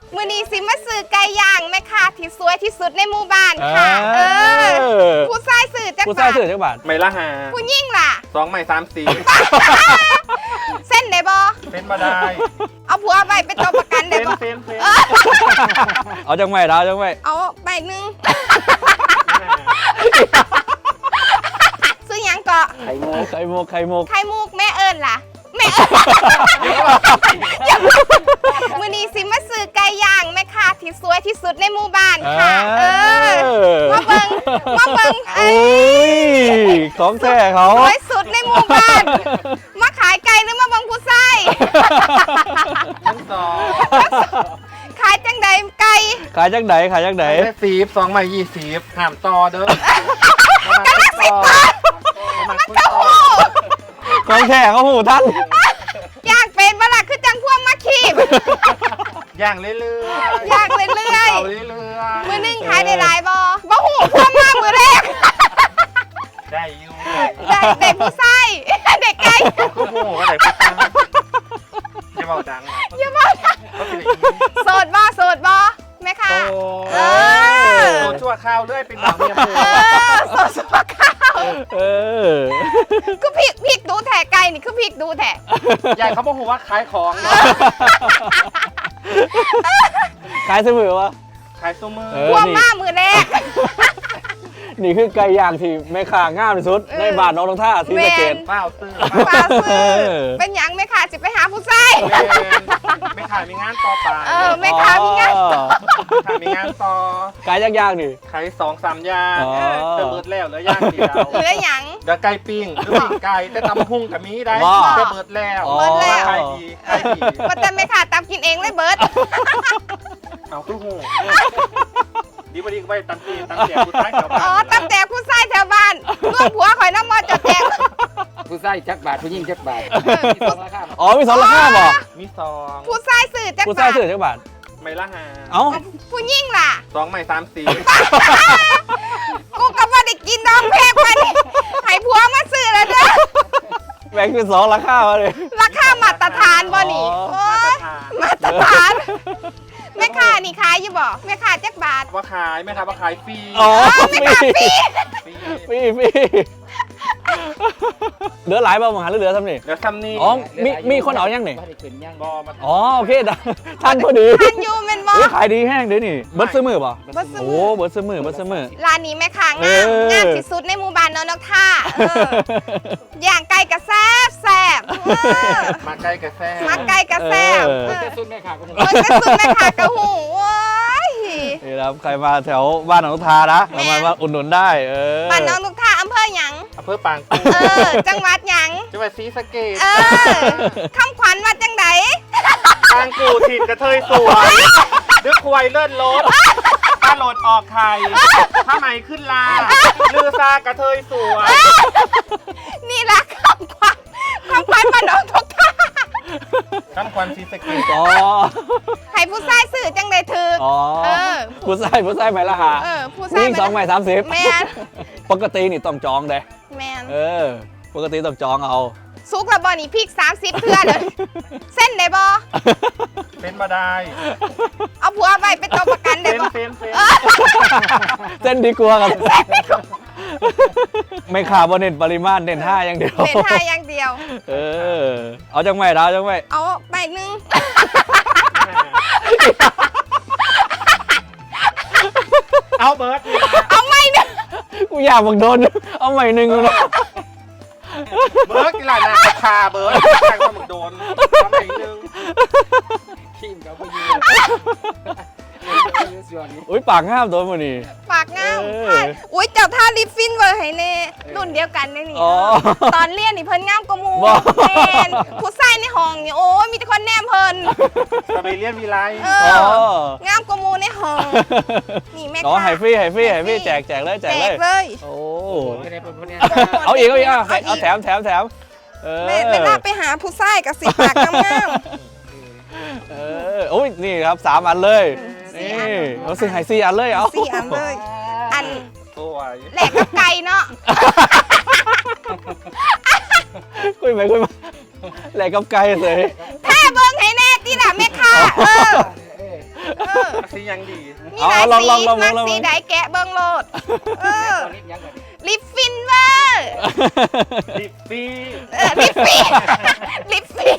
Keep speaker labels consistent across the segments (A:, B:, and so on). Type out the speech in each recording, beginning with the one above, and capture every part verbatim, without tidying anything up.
A: มือนี้สิมาซื้อไก่ย่างแม่ค้าที่สวยที่สุดในหมู่บ้านค่ะเออผู้ชายซื้อจักบาทผู้ชายซื้อจักบาท
B: ไม่ละหา
A: ผู้ยิ่งล่ะ
B: สองไม่สามสี่
A: เส้นได้บ่
B: เส้นมาได้
A: เอาผัวไปเป็นตัวประกันได้บ่
B: เส้นเส้น
C: เอาจังไม่เอาจังไม่
A: เอาใบหนึ่งซื้อยังก็
C: ไข่มุกไข่มุกไข่มุก
A: ไข่มุกแม่เอิญล่ะแม่เอิญมือนี้สิมาซื้อไก่ย่างแม่ค้าที่สวยที่สุดในหมู่บ้านค่ะเออมาเบิ่งมาเบิ่ง
C: โอ้ยของแท้เขา
A: สวยสุดในหมู่บ้านมาขายไก่หรือมาเบิ่งผู้ชาย
B: ทั้งสอง
A: ขายจังใดไก่
C: ขายจังไหนขายจังไหน
B: ได้สีบสองไม่ยี่สิบห้ามต่อเด้อ
A: กำลังสิต่อมันจะหู
C: ของแท้เขาหูท่าน
A: ย่างเป็นเวลาคือจังพวกมาขีบ
B: ย่างเรื่อยๆ
A: ย่างเรื่อยๆเรื่อยๆมือนึงขายได้หลายบ่บ่หูพวกมากมือแรก
B: ได้อยู่
A: ได้เด็กผู้ชายเด็กไก่
B: ก็โม่ก็ได้ผู้ชายอย่าเบาดัง
A: อย่าเบาดังโสดบ่โสดบ่แม่ค่ะ
B: เออโสดชั่วข้าวเรื่อยเป็นบ่าวเมียผู้
A: เออโสดชั่วข้าว
C: เออ
A: คือพริกพริกดูแท้ไก่นี่คือพริกดูแท้
B: ยายเขาบอกว่าขายของ
C: ขายเสมอวะ
B: ขายซุ้มมือ
A: พวกมากมือแรก
C: นี่คือไก่ย่างที่แม่ค้างามที่สุดในบ้านน้องทงท่าที่สะเกษ
B: เปล่าซื้อ
A: เปล่าซื้อเป็นหยังแม่ค้าจะไปหาผู้ชาย
B: แม่ค้ามีงานต่อไป
A: เออแม่ค้ามีงานต่อ
B: แม่ค้ามีงานต่อ
C: ไก่ย่างๆนี่
B: ขายสองสามย่างเติมเบิร์ดแล้วแล้วย่างเดียว
A: เหลือหยัง
B: เดี๋ยวไก่ปิ้งหรือปิ้งไก่แต่ตำพุ่งกับมีได้เติมเบิร์ดแล้ว
A: เบิร์ดแล้ว
B: ขายดีขายดี
A: มาแต่แม่ค้าตำกินเองเลยเบิร์ด
B: เอาคือหูดีบดีก็ไปตั้งตีตั้งแต่ผู้ชายแถวบ้าน
A: อ๋อตั้งแต่ผู้ชายแถวบ้านร่วมผัวข่อยน้ำมอจะแจก
D: ผู้ชายจักบาทผู้หญิงจักบาทมีสองราคา
C: อ๋อมีสองราคาบ่
B: มีสอง
A: ผู้ชายสื่อจักบาท
C: ผู้ชายสื่อจักบาท
B: ไม่ละหา
C: เอ้า
A: ผู้หญิงล่ะ
B: สองไม่สามสี่
A: กูก็ไม่ได้กินน้องเพกมาดิให้ผัวมาสื่อแล้วเด้อ
C: แบ่งเป็นสองราคาเลย
A: ราคามาตรฐานบ่นี่มาตรฐานแม่ค้านี่ขายอยู่บ่แม่ค้าจักบาท
B: ว่าขายแม่ค้าว่าขายฟรี
C: อ๋อ
A: แม่ค้าฟรี
C: ฟรีฟรีเหลือหลายบ่มาหาเหลือซ้ำนี่
B: เหลือซ้ำนี่
C: อ๋อมีมีคนเอายังนี่อ๋อโอเคท่านพอดี
A: ท่านอยู่เป็นบ่
C: ขายดีแห้งเดี๋ยวนี่เบิร์ดซื้อมือป่ะโอ้เบิร์ดซื้อมือเบิร์ดซื้อมือ
A: ร้านนี้แม่ค้างามงามที่สุดในหมู่บ้านน้องนกท่าย่างไก่กระแซบแซบ
B: มาไก่กระแซบ
A: มาไก่กระแซบ
D: เบิร์ดสุดแม่ค้าก็หู
A: เบิร์ดสุดแม่ค้ากระหูว้าย
C: นี่ครับใครมาแถวบ้านน้องนกท่านะมามาอุดหนุนได้เออ
A: บ้านน้องนกท่าอำเภอหยัง
B: อำเภอปางกู
A: เออจังหวัดหยัง
B: จังหวัดศรีสะเกษ
A: เออคำขวัญวัดจังได
B: ปางกูถิ่นกระเทยสวยดึกควายเลื่อนรถป้าโหลดออกไข่ผ้าไหมขึ้นลาลือซากระเทยสวย
A: นี่แหละคำขวัญคำขวัญบ้านน้องนกท่า
B: คำขวัญศรีสะเกษ
C: อ๋อ
A: ให้ผู้ชายสื่อจังไดถือ
C: อ๋อผู้ชายผู้ชายไหมล่ะฮะ
A: เออผู้ชาย
C: สองไหมสามสิบ
A: แมน
C: ปกตินี่ต้องจองเลย
A: แมน
C: เออปกติต้องจองเอา
A: ซุกระบอนี่พริกสามสิบเทื่อเลยเส้นได้บ่
B: เส้นมาได้
A: เอาผัวไปเป็นตัวประกันได้บ่
B: เส้นเส้น
C: เส้นดีกว่าครับไม่ขาบนเน้นปริมาณเน้นท่าอย่างเดียว
A: เน้นท่าอย่างเดียว
C: เออเอาจังไม่ดาวจังไม่
A: เอาไปหนึ่ง
B: เอาเบิร์ด
A: เอาไม่หนึ่ง
C: กูอยากบังโดนเอาใหม่หนึ่งเลย
B: เบิร์ดกี่หลายนาคาเบิร์ดใครก็มึงโดนเอาใหม่หนึ่ง
D: ขี้มกับผู้หญิง
C: อุ้ยปากงามตัวมันนี่
A: ปากงามอุ้ยเจ้าท่าลิฟฟินเวอร์ให้เน่รุ่นเดียวกันนี่ตอนเรียนนี่เพิ่นงามกว่ามูแมนผู้ชายในห้องนี่โอ้ยมีแต่คนแนมเพิ่น
B: จะไปเรียนวิไล
A: งามกว่ามูในห้องนี่แม่
C: อ๋อไฮฟี่ไฮฟี่ไฮฟี่แจกแจกเลยแจก
A: เลย
C: โอ้เอาอีกเอาอีกเอาแถมแถมแถม
A: เวลาไปหาผู้ชายกับสีปากงาม
C: เออโอ้ยนี่ครับสามอันเลยนี่เอาสี่ไฮซี่อันเลยเอา
A: สี่อันเลยอัน
B: ตัว
A: แหลกกับไก่เนาะ
C: คุยไปคุยมาแหลกกับไก่เลย
A: แท้เบิ้งให้แน่ที่น่ะแม่ค้าเออเออ
B: สียังดี
A: มีหลาย
C: เอาลอง
A: สี
C: ลองลอง
A: มัก
C: ลอง
A: สีใดแกะเบิ่งโลดเออ
D: ตอนนี้ยังก่อน
A: ลิปฟินเวอร์
B: ลิปปี้
A: เออลิปฟีลิปฟี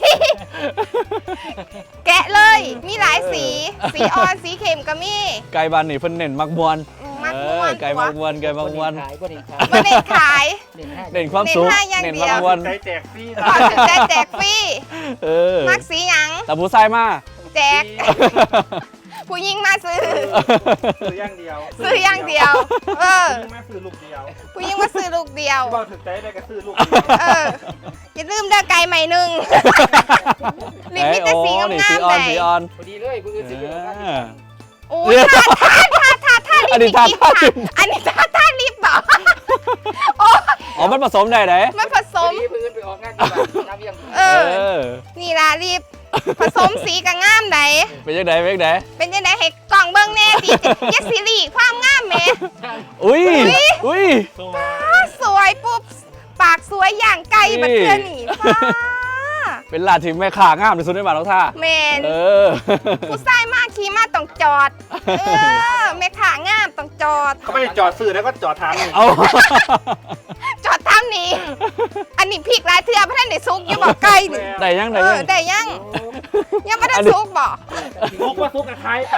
A: แกะเลย มีหลายสี สีอ่อนสีเข้มก็มี
C: ไก่บ้านนี่เพิ่นเน้นมักมวน
A: มัก
C: เอ
A: ม่ว
C: อน ไก่มักมวนไก่มักมวน
D: ขายบ่ได้ขาย
A: บ่ได้ขาย
D: เด่นห้า
C: เน้นความสุข
A: เน้นให้อย่าง
C: เน้น
A: เดียว
C: มักมวน
B: ใจแจกฟรี
A: ขอถึงได้แจกฟรี
C: เออ
A: มักสีหยัง
C: แต่ผู้ชายมา
A: แจก ผู้หญิงมาซื้อ
B: ซื้อย่างเดียว
A: ซื้ออย่างเดียว เออ
B: ซื้อแม่ซื้อลูกเดียว
A: ผู้หญิงมาซื้อลูกเดียว
B: บอกถึงใจได้ก็ซื้อลูกเดียว
A: เออ อย่าลืมเด้อไก่ใหม่หนึ่งลิปมีแต่สีงาม
C: นี่
A: ๆ
C: สีอ่อน
A: เลย
C: สีอ่อน
D: พอดีเลยผู้อื่นสิอยู่กัน
C: อ่า
A: โอ้ยท่าท่าท่าท่าท่าลิป
C: อันนี้ท่า
A: ลิป
C: ท่า
A: ค่ะ
C: ลิป
A: อันนี้ท่าท่าลิปเหรอโอ้ย
C: อ๋อมันผสมได้ไหน
A: มันผส
D: พอ
A: ม
D: ดีผู้อื่นไปออกงานที่บ้านน้ำเยี่ยม
A: เอ
C: เอ
A: อ
C: อ
A: นี่ล่ะลิป ผสมสีกับงามไหน
C: เป็นยังไงเป็นยังไง
A: เป็นยังไงให้กล่องเบิ้งแน่ดิเยสซิลี่ความงามแหม่
C: อุ้ยอุ้ย
B: ตัว
A: อ้าสวยปุ๊บ ปากสวยอย่างไก่บัดเทือนี่ฟ้า
C: เป็นลาดที่แม่ขางามที่สุดในบ้านน้องท่า
A: แมน
C: เออ
A: ผู้ชายมากขี่มาต้องจอด เออแม่ขางามต้องจอด
B: เขาไม่ได้จอดซื้อแล้วก็จอดทางนี่
C: เอา
A: จอดทำนี้ อันนี้พริกหลายเทือพระท่านได้ซุกอยู่บอกไก่นี่
C: ได้ยังได้
A: เอ
C: ยั
A: อง ได้ยัง ยังไม่ได้ซุกบอก
B: ซุกว่าซุกกับใครไป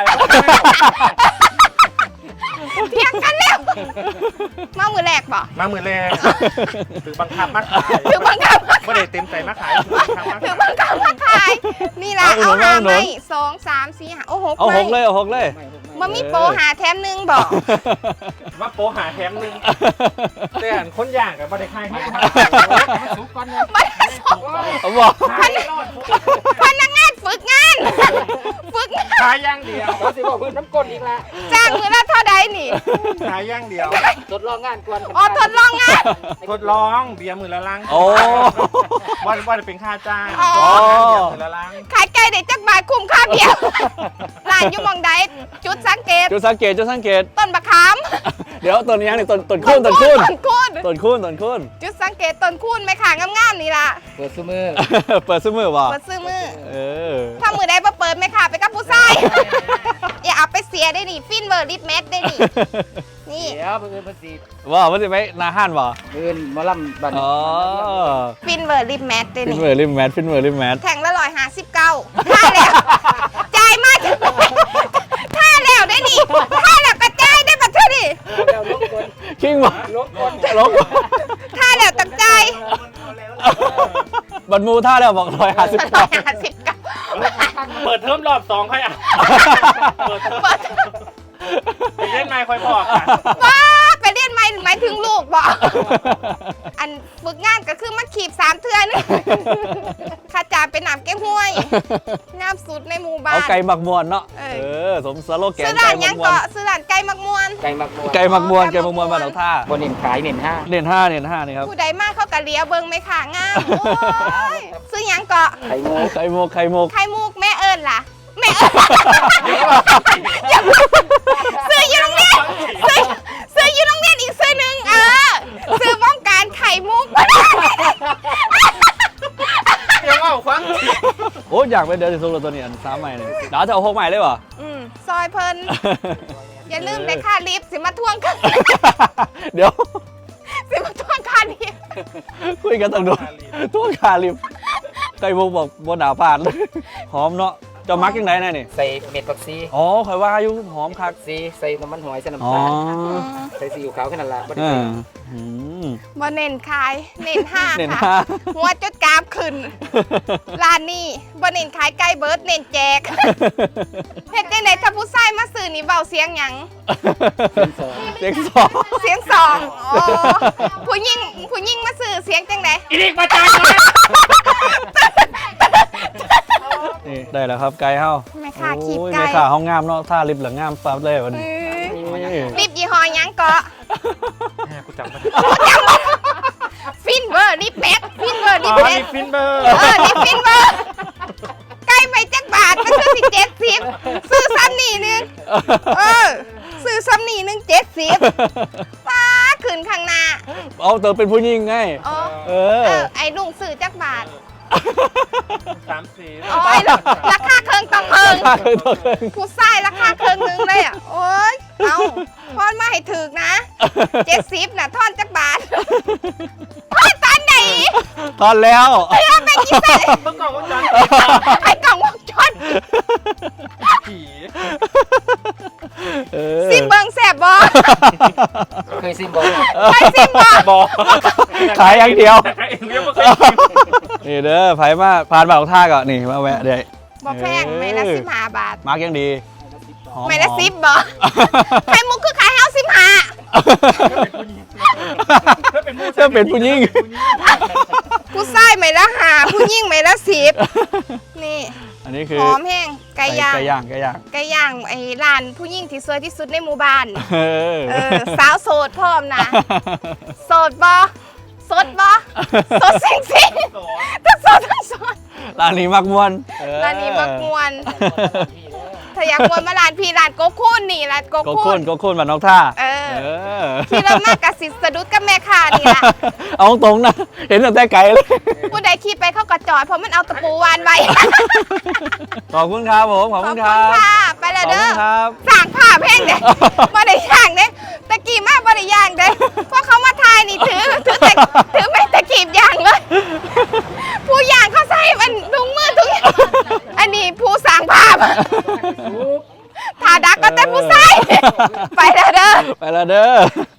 A: เทียงกันแล้ว มามือแรกบอก
B: มามือแรงถือบังคับมาขาย
A: ถือบังคับมา
B: ไม่ได้เต็มใจมาขายถือบังคับมา
A: ถือ
B: ขาย
A: บังคับมาขาย นี่ละเอาหาไหมสองสามสี่ห้าโอ้หก
C: เอา
A: ไหม
C: หกเลยเอาหกเลย
A: มันมีโปรหาแถมหนึ่งบอก
B: ว่าโปหาแถมหนึงแต่อันคนย่างกับไม่ได้ขายให้
D: สุกก่อนนะ
A: มันส่ง
C: เอาบอก
B: ขายรอด
A: พนักงานฝึกงาน ฝึกงาน
B: ขายย่างเดียว
D: เราสิบอกเพื่อนน้ำก้นอีกละ
A: จ้างมือละเท่าใดนี่
B: ขายย่างเดียว
D: ทดลองงานก่อน
A: อ๋อทดลองงาน
B: ทดลองเบียร์มือละลัง
C: โอ้
B: ว่าว่าจะเป็นค่าจ้าง
A: อ๋อ
B: เบียร์มือละลัง
A: ขายไก่ได้จักบาทคุ้มค่าเบียร์ร้านอยู่หมองใดจุดสังเกต
C: จุดสังเกตจุดสังเกต
A: ต้นบะขาม
C: เดี๋ยวต้นยังนี่ต้นต้นคูนต้นคูน
A: ต้นคูน
C: ต้นคูนต้นคูน
A: จุดสังเกตต้นคูนไหมค่ะงามๆนี่ล่ะ
D: เปิดซูมือ
C: เปิดซื้อมือว่ะ
A: เปิดซื้อมือ
C: เออ
A: ถ้ามือใดมาเปิดไหมค่ะไปกับผู้ชาย อย่าเอาไปเสียได้นี่ฟินเวอร์ลิปแมทได้นี่นี่
D: เดี๋ยวเพื่อนเพื่อนสิ
C: ว่ามันจะไปนาห้านว่ะ
D: เพื่อนหมอลำบัน
C: อ๋อ
A: ฟินเวอร์ลิปแมทได้
C: ฟิน
A: นี่
C: เวอร์ริมแมทฟินเวอร์ริมแมท
A: แข่งละร้อยห้าสิบเก้าท่าแล้วจ่ายมาท่าแล้วได้นี่ท่าแล้วกระจายได้ปะเท่านี่
D: แล้วลงก่อน
C: คิงว่ะ
D: ลงก่อน
C: ลง
A: ท่าแล้วตั้งใจ
C: บันมูท่าแล้วบอกร้อยห้าสิบ
A: ร้
C: เก้า
A: อยห้าสิบเก้า
B: เปิดเทอมรอบสองค่อยอ่ะเปิดเทอม
A: เปิด
B: ไปเล่นไมค์ค่อยบอกอ่ะ
A: ว้าไปเรียนไม่หมายถึงลูกบอกอันฝึกงานก็คือมาขีบสามเทือนข้าจ่าเป็นหนามแก้ห้วยงามสุดในหมู่บ้า
C: เอา
A: น
C: ไก่หมักมวนเนาะ
A: เอ
C: เอ
A: อ
C: อ สมสโลแกน
A: ซื้อ
C: ไก่
A: ร้าน
C: หมั
A: ยั
C: ก
A: ง
C: มว
A: เกาะ
C: น
A: ซื้อร้านไก่มักมวน
D: ไก่หมักบัว
C: ไก่หมักมวนไก่หมักมวนบ้านหนองท่า
D: บนเน้นขายเน้นห้า
C: เน้นห้าเน้นห้านี่ครับ
A: ผู้ใดมากเขากะเลียเบิงไหมค่ะงามโอ้ยซื้อหยังเกาะ
D: ไข่งู
C: ไข่โมกไข่โมก
A: ไข่มุกแม่เอิญล่ะแม่เอิญอย่าซื้ออยู่โรงเรียนซื้อซื้ออยู่โรงเรียนอีกซื้อหนึ่งเออซื้อป้องกันไข่มุก
B: เดี๋ยวเอาควัง
C: โอ้อยากไปเดินสุกตัวนี้อันสามใหม่เลยดาวจะเอาหกใหม่เลยวะ
A: อืมซอยเพิ่นอย่าลืมได้ค่าลิฟต์สิมาทวงกัน
C: เดี๋ยว
A: สิมาทวงค่าลิฟต์
C: คุยกันตั้งโดนตัวคาลิมไก่โมกบอกบนหนาผ่านหอมเนาะจะมักยังไงแน่นี่
D: ใส่เม็ดผักซี
C: อ๋อคอยว่าอยู่หอมคัก
D: ซีใส่น้ำมันหอยใส่น้ำ
C: อ๋อ
D: ตาลใส่ซีอิ๊วขาวแค่นั้นละบ่ได้
C: เอ
D: ใส่
C: ออืม
A: บ่เน้นขายเน้นห้า
C: เน้น
A: ค่ะ
C: ห้า
A: หัวจดกราฟขึ้นร้านนี้บ่เน้นขายไก่เบิร์ดเน้นแจกเฮ็ดจังไดถ้าผู้ชายมาซื้อนี่เบาเสียงหยัง
D: เป็นสอง
C: เด็กสอง
A: เสียงสองอ๋อผู้หญิงผู้หญิงมาซื้อเสียงจังได
B: อีนิกมาจ้าง
C: นี่ได้แล้วครับไก่เฮา
A: แม่ค้าขีบ
C: โอ้ย
A: ไก่
C: แม่ขาห้องงามเนาะท่าลิฟต์เหลืองามปั๊บเลยวันนี้
A: รีบยี่ห้อหยังเกาะ
B: แม่กูจำไม่ได้
A: ฟินเวอร์รีบแม็กฟินเวอร์รี
B: อ๋
A: บ
B: อ
A: แม็
B: นี่
A: ก
B: ฟินเบอร์
A: เออรีบฟินเวอร์ไก่ไปจักบาทมันซื้อสิเจ็ดสิบซื้อซ้ำนี่นึงเออซื้อซ้ำนี่นึงเจ็ดสิบป้าขึ้นข้างหน้า
C: เอาเติมเป็นผู้หญิงไง
A: อ๋อ
C: เอ
A: เอ
C: อ
A: อไอ้ลุงซื้อจักบาท
B: สามสี่
A: โอ้ยราคาเครื่องต้องเคิง
C: ราคาเครื่องต่อเครื่อง
A: ผู้ชายราคาเครื่องนึงเลยอ่ะโอ้ยเอาทอนมาให้ถึกนะเจ็ดสิบน่ะทอนจักบาททอนตอนไหน
C: ตอนแล้ว
A: เพื่อไปกินใส่
B: เมื่อก่อนว่าจัน
A: ไอ้กล่องวงจร
B: ผี
C: เออ
A: ซิมเบิงแสบบ่
D: เคยซิมบอก
A: ไปซิมบ่
B: บอก
C: ขายอย่างเดียว
B: แต่เองยังไม่เคยกิน
C: นี่เด้อไผมาผ่านบางท่าก็นี่มาแวะเด้
A: บ่แพงไม่ละสิบห้าบาท
C: มาร์กยังดีหอ
A: ไม่ละ
C: หอ
A: สิบบ่ไข่มุกคือขายเฮาสิบห้า
B: ถ้าเป็นผู้
C: ถ้าเป็นผู้หญิง
A: ผู้ชายไม่ละห้าผู้หญิงไม่ละสิบนี่
C: อันนี้คือ
A: หอมแห้งไก่ย่าง
C: ไก่ย่างไก่ย่าง
A: ไก่ย่างไอ้ร้านผู้หญิงที่สวยที่สุดในหมู่บ้าน
C: เออ
A: เออสาวโสดพร้อมนะ โสดบ่สดบ่สดสิงสิงทั้งโสดทั้งโสด
C: ร้านนี้มักมวนเออ
A: ร้านนี้มักมวนถ้าอยากมวนมาร้านพี่ร้านโกคุนนี่ร้านโก
C: โก
A: คุ
C: โค่
A: น
C: นโกโค่นบ้านนอกท่า
A: เออ
C: เออ
A: ที่เรามากกับสิสะดุดกับแม่ค้านี่ล่ะ
C: เอาตรงๆนะ เห็นตั้งแต่ไกลเลย
A: ผู้ใดขี่ไปเข้ากระจอดเพราะมันเอาตะปูวานไว้
C: ขอบคุณครับผม ขอบ
A: ขอ
C: คุ
A: บ
C: ณ
A: คุ
C: ครั
A: ณ
C: บ
A: ค่ะ ไป
C: ข
A: แล้
C: อ
A: ว
C: บ
A: เด้
C: คุ
A: อ
C: ณครับ
A: สั่งผ้าแพงเด้บ่ได้ย่างเด้ตะกี้มาบ่ได้ย่างเด้เพราะเขามาทายนี่ถือถือแต่ถือไม่ตะกีบย่างเลย ผู้ย่างเขาใส่มันถุงมือทุกอย่างอันนี้ผู้สั่งภาพทาดักก็แต่ผู้ใส่ไปแล้วเด้อ
C: ไปแล้วเด้อ